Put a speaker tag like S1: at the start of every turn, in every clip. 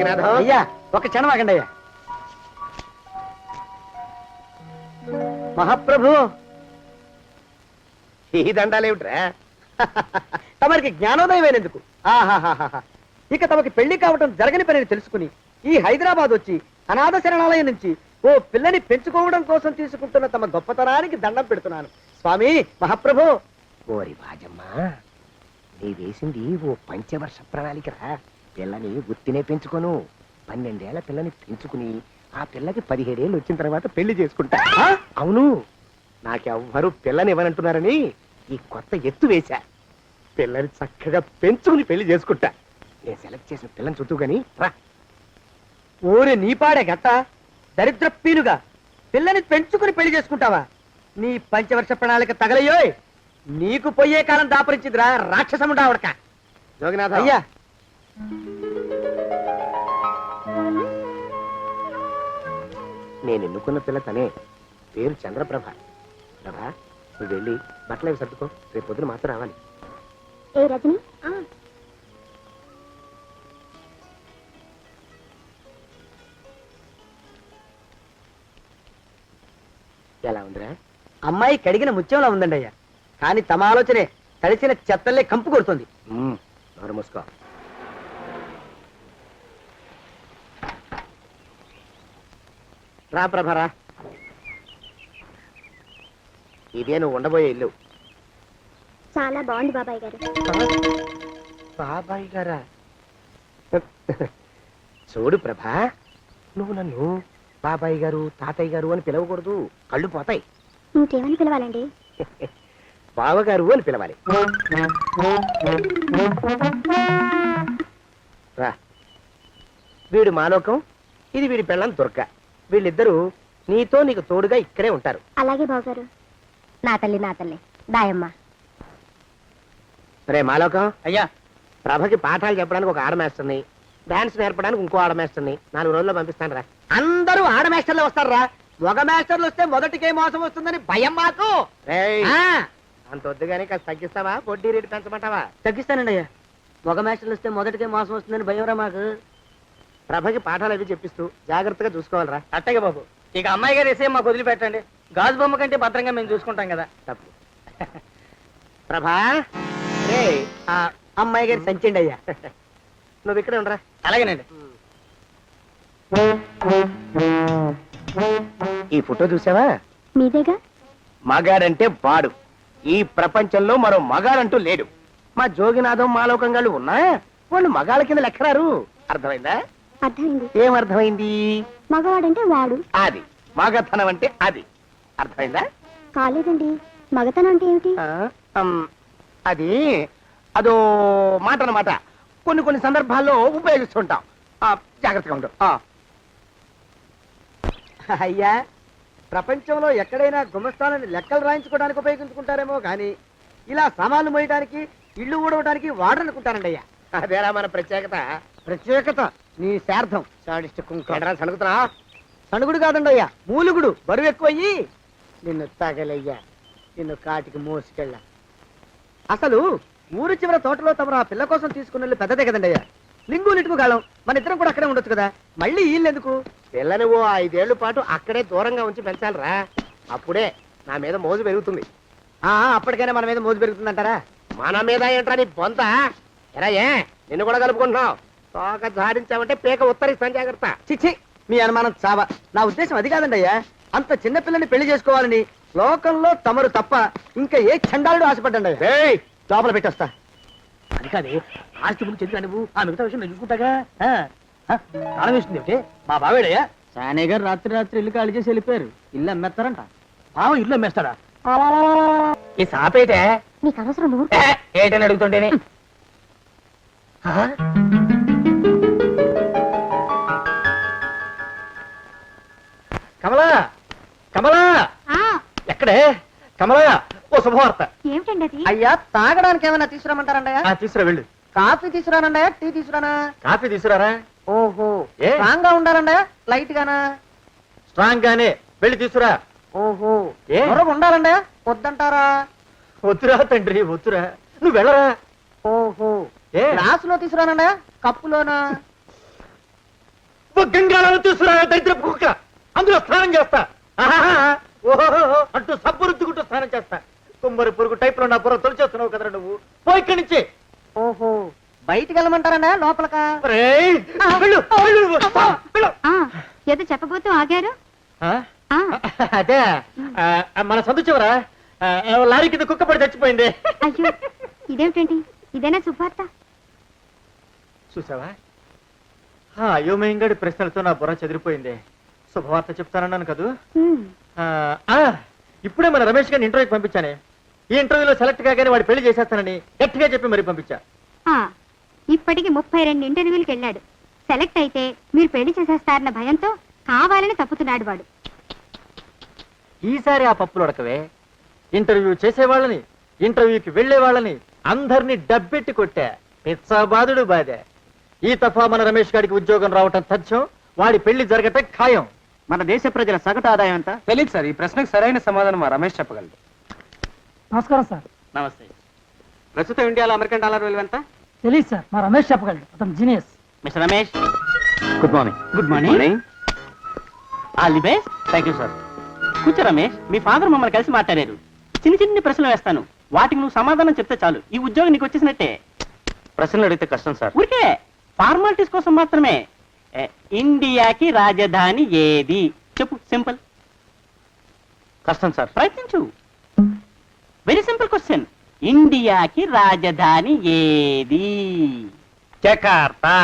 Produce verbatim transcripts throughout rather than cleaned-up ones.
S1: జోగినాథం అయ్యా ఒక క్షణం ఆగండి అయ్యా. మహాప్రభు ఈ దండాలేమిట్రా? తమరికి జ్ఞానోదయమైనందుకు ఆహాహాహా. ఇక తమకి పెళ్లి కావటం జరగని పనిని తెలుసుకుని ఈ హైదరాబాద్ వచ్చి అనాథ శరణాలయం నుంచి ఓ పిల్లని పెంచుకోవడం కోసం తీసుకుంటున్న తమ గొప్పతనానికి దండం పెడుతున్నాను స్వామి. మహాప్రభు.
S2: ఓరి బాజమ్మా, నీ వేసింది ఓ పంచవర్ష ప్రణాళికరా. పిల్లని గుర్తినే పెంచుకోను, పన్నెండేళ్ల పిల్లని పెంచుకుని ఆ పిల్లకి పదిహేడేళ్ళు వచ్చిన తర్వాత పెళ్లి చేసుకుంటా. అవును, నాకెవ్వరూ పిల్లని ఇవ్వనంటున్నారని ఈ కొత్త ఎత్తు వేశా. పిల్లని చక్కగా పెంచుకుని పెళ్లి చేసుకుంటా. నేను సెలెక్ట్ చేసిన పిల్లని చుట్టూ గాని రా.
S1: ఊరి నీపాడే గట్ట దరిద్ర పీనుగా పిల్లని పెంచుకుని పెళ్లి చేసుకుంటావా? నీ పంచవర్ష ప్రణాళిక తగలయ్యోయ్. నీకు పోయే కాలం దాపరించిందిరా రాక్షసముండావడక.
S2: జోగినాథ
S1: అయ్యా,
S2: నేను ఎన్నుకున్న పిల్ల తనే, పేరు చంద్రప్రభ. ప్రభ, నువ్వు వెళ్ళి బట్టలు అవి సర్దుకో, రేపు పొద్దున మాత్రం రావాలి.
S3: ఏ రజని,
S2: ఎలా ఉందిరా?
S1: అమ్మాయి కడిగిన ముత్యంలా ఉందండి అయ్యా. కానీ తమ ఆలోచనే తడిసిన చెత్తల్లే కంపు కొడుతుంది.
S2: నోరు మూసుకో. రా ప్రభరా, ఇదే నువ్వు ఉండబోయే ఇల్లు.
S3: చాలా బాగుంది బాబాయ్ గారు.
S2: బాబాయ్ గారా? చూడు ప్రభా, నువ్వు నన్ను బాబాయ్ గారు తాతయ్య గారు అని పిలవకూడదు, కళ్ళు పోతాయి.
S3: ఇంకేమని పిలవాలండి?
S2: బావగారు అని పిలవాలి. రా, వీడు మాలోకం, ఇది వీడి పెళ్ళం దుర్గ. వీళ్ళిద్దరూ నీతో నీకు తోడుగా ఇక్కడే ఉంటారు.
S3: అలాగే బావగారు. నా తల్లి నా తల్లి దాయమ్మ.
S2: రే మాలోకం
S1: అయ్యా,
S2: ప్రభకి పాఠాలు చెప్పడానికి ఒక ఆడమేస్తుంది, డాన్స్ నేర్పడానికి ఇంకో ఆడమేస్తుంది. నాలుగు రోజుల్లో పంపిస్తాను రా.
S1: అందరూ ఆడ మాస్టర్లు వస్తారా? మగ మాస్టర్లు వస్తే మొదటికే మోసం వస్తుందని భయం మాకు.
S2: అంత వద్దుగానే కాస్త తగ్గిస్తావా? వడ్డీ రేటు పెంచమంటావా?
S1: తగ్గిస్తానండి అయ్యా. మగ మాస్టర్లు వస్తే మొదటికే మోసం వస్తుందని భయం రా మాకు.
S2: ప్రభకి పాఠాలు అవి చెప్పిస్తూ జాగ్రత్తగా చూసుకోవాలరా.
S1: అట్టగే బాబు. ఇక అమ్మాయి గారు వేసే మాకు వదిలిపెట్టండి. గాజు బొమ్మ కంటే భద్రంగా మేము చూసుకుంటాం కదా.
S2: తప్పు. ప్రభా, రే
S1: ఆ అమ్మాయి గారి సంచండి అయ్యా.
S2: నువ్వు ఇక్కడే ఉండరా.
S1: అలాగేనండి.
S2: ఈ ఫోటో చూసావా?
S3: మీదేగా.
S2: మగాడంటే వాడు. ఈ ప్రపంచంలో మరో మగాడంటూ లేడు. మా జోగినాథం మాలోకం గాళ్ళు ఉన్నా వాళ్ళు మగాళ్ళ కింద లెక్కరారు. అర్థమైందా?
S3: అర్థమైంది.
S2: ఏం అర్థమైంది?
S3: మగవాడంటే వాడు.
S2: అది మగతనం అంటే అది. అర్థమైందా?
S3: కాలేదండి. మగతనం అంటే ఏమిటి?
S2: అది అదో మాట అన్నమాట. కొన్ని కొన్ని సందర్భాల్లో ఉపయోగిస్తుంటాం. జాగ్రత్తగా ఉంటాం.
S1: అయ్యా, ప్రపంచంలో ఎక్కడైనా గుమస్తాలని లెక్కలు రాయించుకోవడానికి ఉపయోగించుకుంటారేమో కానీ ఇలా సామాన్లు మోయడానికి, ఇల్లు ఊడవడానికి వాడనుకుంటానండి అయ్యా.
S2: అదేరా మన ప్రత్యేకత.
S1: ప్రత్యేకత నీ శార్థం.
S2: సణుగుతున్నా?
S1: సణుగుడు కాదండి అయ్యా, మూలుగుడు. బరువు ఎక్కువయ్యి నిన్ను తగలయ్యా, నిన్ను కాటికి మోసుకెళ్ళ. అసలు ఊరు చివర తోటలో తమరు ఆ పిల్ల కోసం తీసుకున్న పెద్దదే కదండి అయ్యా. లింగు నిటుకు గాలం. మన ఇద్దరం కూడా అక్కడే ఉండొచ్చు కదా. మళ్ళీ వీళ్ళు ఎందుకు?
S2: పిల్లని ఓ ఐదేళ్ల పాటు అక్కడే దూరంగా ఉంచి పెంచాలిరా. అప్పుడే నా మీద మోజు పెరుగుతుంది.
S1: ఆ అప్పటికైనా మన మీద మోజు పెరుగుతుందంటారా?
S2: మన మీద ఏంట్రా నీ బొంత? ఎరా, ఏ నిన్ను కూడా కలుపుకుంటున్నావు? తోక జాడించావంటే పీక ఉత్తరిస్తాను, జాగ్రత్త.
S1: చిచ్చి, మీ అనుమానం చావా. నా ఉద్దేశం అది కాదండి అయ్యా. అంత చిన్న పిల్లని పెళ్లి చేసుకోవాలని లోకంలో తమరు తప్ప ఇంకా ఏ చండాలుడు ఆశపడ్డండి అయ్యా. లోపల పెట్టొస్తా.
S4: అది కాదే, ఆస్తి గురించి ఎందుకు నువ్వు? ఆ మిగతా విషయం నేను చూసుకుంటాగా. తాళం వేస్తుంది ఏమిటి? మా బావేడయ్యా.
S1: సానే గారు రాత్రి రాత్రి ఇల్లు ఖాళీ చేసి వెళ్ళిపోయారు. ఇల్లు అమ్మేస్తారంట.
S4: బావ ఇల్లు అమ్మేస్తాడా? ఈ సాపేటే
S3: నీకు అవసరం నువ్వు
S4: ఏటని అడుగుతుంటేనే. కమలా, కమలా, ఎక్కడే కమలా? ఓ శుభవార్త.
S3: ఏమిటండి అది?
S1: అయ్యా, తాగడానికి ఏమైనా తీసుకురామంటారండయ్యా?
S4: తీసుకురా, వెళ్ళు.
S1: కాఫీ తీసుకురానండయా, టీ తీసుకురానా?
S4: కాఫీ తీసుకురారా.
S1: ఓహో,
S4: ఏ?
S1: స్ట్రాంగ్ గా ఉండాలండయా, లైట్ గానా?
S4: స్ట్రాంగ్ గానే, వెళ్ళి తీసుకురా.
S1: ఓహో,
S4: ఏ?
S1: మరొక ఉండాలండయా, వద్దంటారా?
S4: వద్దురా తండ్రి, వద్దురా, నువ్వు వెళ్ళరా.
S1: ఓహో,
S4: ఏ?
S1: గ్లాసులో తీసుకురానండయా, కప్పులోనా?
S5: ఓ గంగాళాలు తీసుకురా దరిద్ర కుక్క, అందులో స్నానం చేస్తా. ఆహాహా, ఓహోహో అంటూ సబ్బు రుద్దుకుంటూ స్నానం చేస్తా. కుమ్మరి పురుగు టైప్ లో నా బుర్ర తొలిచేస్తున్నావు కదరా నువ్వు. పో ఇక్కడి నుంచి.
S1: ఓహో బయటికి వెళ్ళమంటారా లోపలకా?
S5: ఒరేయ్, వెళ్ళు, వెళ్ళు, వెళ్ళు.
S3: ఆ, ఏదో చెప్పబోతూ ఆగారు.
S5: ఆ?
S3: ఆ,
S5: అదే ఆ, మన సందు చివరా ఆ, లారీ కింద కుక్క పడి చచ్చిపోయింది.
S3: అయ్యో ఇదేమిటండి, ఇదేనా శుభార్త?
S5: చూసావా, ఆ అయోమయంగాడి ప్రశ్నలతో నా బుర్ర చెదిరిపోయింది. శుభవార్త చెప్తానన్నాను కదూ.
S3: ఉమ్,
S5: ఆ, ఆ, ఇప్పుడే మన రమేష్ గారిని ఇంటర్వ్యూకి పంపించానే. ఈ ఇంటర్వ్యూలో సెలెక్ట్ కాగానే వాడు పెళ్లి చేసేస్తానని గట్టిగా చెప్పి మరి పంపించా.
S3: ఆ, ఇప్పటికి ముప్పై రెండు ఇంటర్వ్యూలకు వెళ్ళాడు. సెలెక్ట్ అయితే మీరు పెళ్లి చేసేస్తారన్న భయంతో కావాలని తప్పుతున్నాడు వాడు.
S5: ఈసారి ఆ పప్పులు ఉడకవే. ఇంటర్వ్యూ చేసేవాళ్ళని, ఇంటర్వ్యూకి వెళ్లే వాళ్ళని అందరినీ డబ్బెట్టి కొట్టా. పిచ్చాబాదుడు బాధే. ఈ తఫా మన రమేష్ గారికి ఉద్యోగం రావటం తథ్యం, వాడి పెళ్లి జరగటం ఖాయం.
S1: మన దేశ ప్రజల సగటు ఆదాయం ఎంత?
S2: తెలియదు సార్, ఈ ప్రశ్నకు సరైన సమాధానం మా రమేష్ చెప్పగలడు.
S4: నమస్కారం సార్.
S5: నమస్తే.
S1: ప్రస్తుతం ఇండియాలో అమెరికన్ డాలర్ విలువ ఎంత?
S4: తెలియదు సార్, మా రమేష్ చెప్పగలడు, అతను genius.
S5: Mister Ramesh,
S2: good morning.
S5: Good morning. All the best. Thank you sir. కూర్చో రమేష్, మీ ఫాదర్ మమ్మల్ని కలిసి మాట్లాడారు. చిన్న చిన్ని ప్రశ్నలు వేస్తాను, వాటికి నువ్వు సమాధానం చెప్తే చాలు. ఈ ఉద్యోగం నీకు వచ్చేసినట్టే.
S2: ప్రశ్నలు అడిగితే కష్టం సార్.
S5: ఊరికే ఫార్మాలిటీస్ కోసం మాత్రమే. ఏ, ఇండియాకి రాజధాని ఏది చెప్పు. సింపుల్.
S2: కష్టం సార్.
S5: ప్రయత్నించు. Very simple question. ఇండియాకి రాజధాని ఏది?
S2: జకార్తా.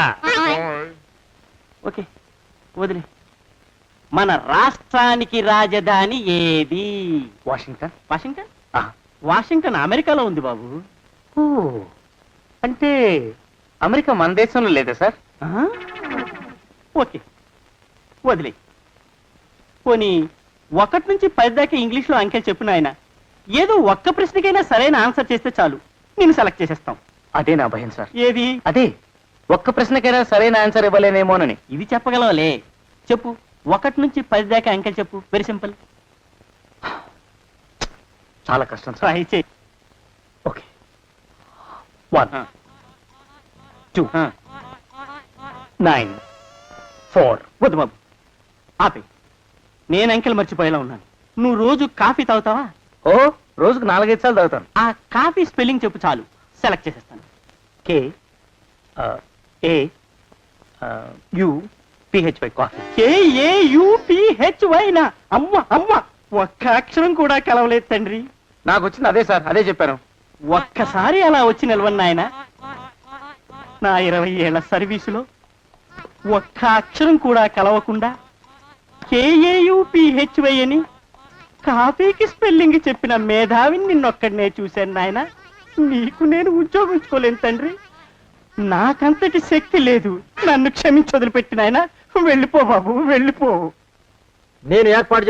S5: ఓకే, వదిలే. మన రాష్ట్రానికి రాజధాని ఏది?
S2: వాషింగ్టన్.
S5: వాషింగ్టన్?
S2: ఆ.
S5: వాషింగ్టన్ అమెరికాలో ఉంది బాబు.
S2: ఓ, అంటే అమెరికా మన దేశంలో లేదా సార్?
S5: ఆ? ఓకే, వదిలే. పోనీ ఒకటి నుంచి పది దాకా ఇంగ్లీష్లో అంకెలు చెప్పిన ఆయన ఏదో ఒక్క ప్రశ్నకైనా సరైన ఆన్సర్ చేస్తే చాలు, నేను సెలెక్ట్ చేసేస్తాం.
S2: అదే నా భయం సార్.
S5: ఏది?
S2: అదే ఒక్క ప్రశ్నకైనా సరైన ఆన్సర్ ఇవ్వలేనేమోనని.
S5: ఇది చెప్పగలవలే. చెప్పు, ఒకటి నుంచి పది దాకా అంకెలు చెప్పు. Very simple.
S2: చాలా కష్టం సార్.
S5: ట్రై చేయి.
S2: Okay. One, two, nine, four.
S5: వద్దు బాబు, ఆపే. నేను అంకెలు మర్చిపోయేలా ఉన్నాను. నువ్వు రోజు కాఫీ తాగుతావా?
S2: ఓ, రోజుకు నాలుగైదు సార్లు చదువుతాను.
S5: ఆ కాఫీ స్పెల్లింగ్ చెప్పు చాలు, సెలెక్ట్ చేసేస్తాను.
S2: K A U P H Y coffee.
S5: కేఏయుపిహెచ్వైనా? అమ్మ అమ్మ, ఒక్క అక్షరం కూడా కలవలేదు తండ్రి.
S2: నాకు వచ్చింది అదే సార్, అదే చెప్పాను.
S5: ఒక్కసారి అలా వచ్చి నిలవన్న ఆయన, నా ఇరవై ఏళ్ల సర్వీసులో ఒక్క అక్షరం కూడా కలవకుండా కేఏయుపిహెచ్వై అని కాఫీకి స్పెల్లింగ్ చెప్పిన మేధావిని నిన్నొక్కడనే చూశాను నాయన. నీకు నేను ఉద్యోగం ఇచ్చుకోలేను తండ్రి. నాకంతటి శక్తి లేదు. నన్ను క్షమించి వదిలిపెట్టిన ఆయన. వెళ్ళిపో బాబు, వెళ్ళిపో.
S1: నేను ఏర్పాటు